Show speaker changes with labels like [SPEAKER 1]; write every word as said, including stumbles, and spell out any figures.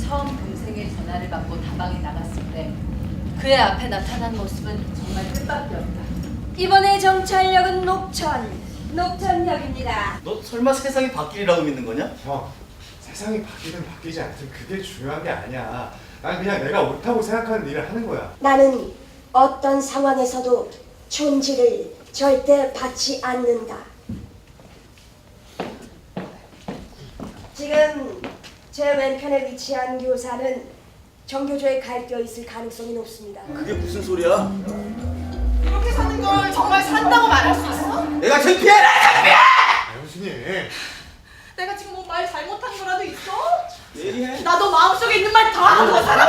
[SPEAKER 1] 처음 동생의 전화를 받고 다방에 나갔을 때 그의 앞에 나타난 모습은 정말 뜻밖이 없다.
[SPEAKER 2] 이번에 정찰역은 녹천, 녹천역입니다.
[SPEAKER 3] 너 설마 세상이 바뀌리라고 믿는 거냐?
[SPEAKER 4] 형, 세상이 바뀌든 바뀌지 않든 그게 중요한 게 아니야. 난 그냥 내가 옳다고 생각하는 일을 하는 거야.
[SPEAKER 2] 나는 어떤 상황에서도 존지를 절대 받지 않는다. 지금 제 왼편에 위치한 교사는 정교조에 가입되어 있을 가능성이 높습니다.
[SPEAKER 3] 그게 무슨 소리야?
[SPEAKER 5] 이렇게 사는 걸 정말 산다고 말할 수 있어?
[SPEAKER 3] 내가 창피해라! 창피해!
[SPEAKER 4] 아, 형수님.
[SPEAKER 5] 내가 지금 뭐 말 잘못한 거라도 있어?
[SPEAKER 3] 예리해.
[SPEAKER 5] 나도 마음속에 있는 말 다 하고 살아!